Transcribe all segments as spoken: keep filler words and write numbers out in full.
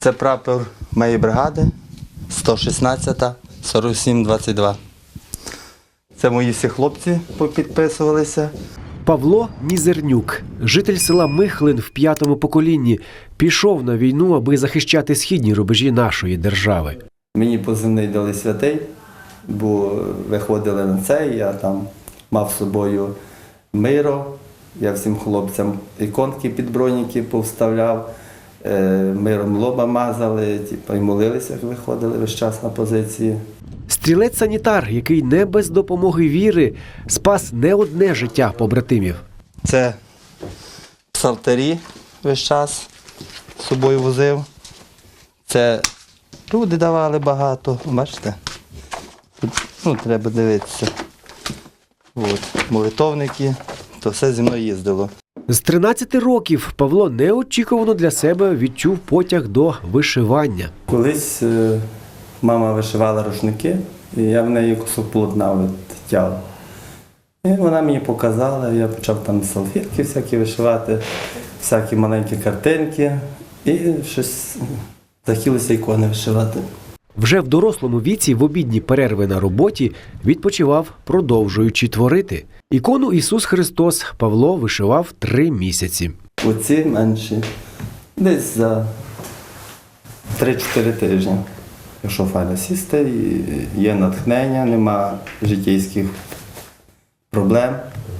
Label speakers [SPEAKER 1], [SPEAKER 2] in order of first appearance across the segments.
[SPEAKER 1] Це прапор моєї бригади, сто шістнадцята, сорок сім двадцять два. Це мої всі хлопці попідписувалися.
[SPEAKER 2] Павло Нізернюк, житель села Михлин в п'ятому поколінні, пішов на війну, аби захищати східні рубежі нашої держави.
[SPEAKER 1] Мені позивний дали святий, бо виходили на це, я там мав з собою миро, я всім хлопцям іконки під броніки повставляв, миром лоба мазали, типу, і молилися, виходили весь час на позиції.
[SPEAKER 2] Стрілець-санітар, який не без допомоги віри спас не одне життя побратимів.
[SPEAKER 1] Це псалтирі весь час з собою возив. Це люди давали багато, бачите? Тут, ну, треба дивитися. От, молитовники, то все зі мною їздило.
[SPEAKER 2] З тринадцяти років Павло неочікувано для себе відчув потяг до вишивання.
[SPEAKER 1] Колись е, мама вишивала рушники, і я в неї кусок полотна витягав. І вона мені показала, я почав там салфетки всякі вишивати, всякі маленькі картинки, і щось захотілося ікони вишивати.
[SPEAKER 2] Вже в дорослому віці, в обідні перерви на роботі, відпочивав, продовжуючи творити. Ікону «Ісус Христос» Павло вишивав три місяці.
[SPEAKER 1] Оці менші, десь за три-чотири тижні. Якщо файно сісти, і є натхнення, нема життєйських проблем.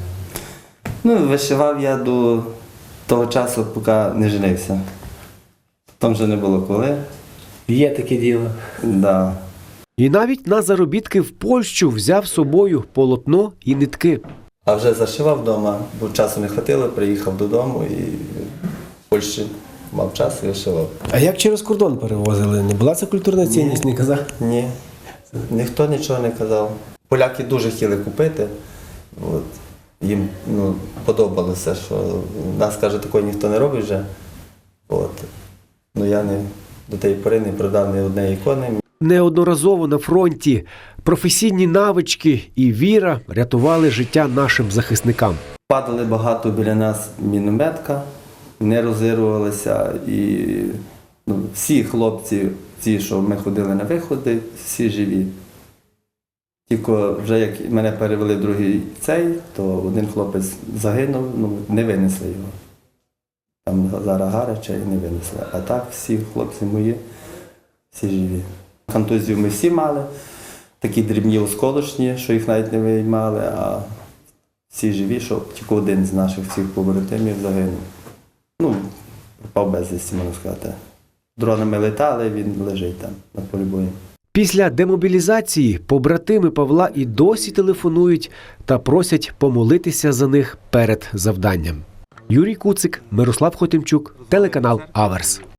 [SPEAKER 1] Ну, вишивав я до того часу, поки не женився. Там вже не було коли.
[SPEAKER 3] Є таке діло.
[SPEAKER 1] Да.
[SPEAKER 2] І навіть на заробітки в Польщу взяв з собою полотно і нитки.
[SPEAKER 1] А вже зашивав вдома, бо часу не вистачило, приїхав додому і в Польщі мав час і вишивав.
[SPEAKER 3] А як через кордон перевозили? Не була це культурна цінність, не казав?
[SPEAKER 1] Ні, ніхто нічого не казав. Поляки дуже хотіли купити. От. Їм ну, подобалося, що нас, каже, такого ніхто не робить вже. От. Ну я не, до тієї пори не продав ні однієї ікони.
[SPEAKER 2] Неодноразово на фронті професійні навички і віра рятували життя нашим захисникам.
[SPEAKER 1] Падали багато біля нас мінометка, не розірвалися. І ну, всі хлопці, ті, що ми ходили на виходи, всі живі. Тільки вже як мене перевели в другий цей, то один хлопець загинув, ну не винесли його. Там зараз гаряче і не винесли. А так всі хлопці мої, всі живі. Контузію ми всі мали, такі дрібні осколочні, що їх навіть не виймали, а всі живі, що тільки один з наших всіх побратимів загинув. Ну, пропав безвісті, можна сказати. Дронами летали, він лежить там на полі бою.
[SPEAKER 2] Після демобілізації побратими Павла і досі телефонують та просять помолитися за них перед завданням. Юрій Куцик, Мирослав Хотимчук, телеканал Аверс.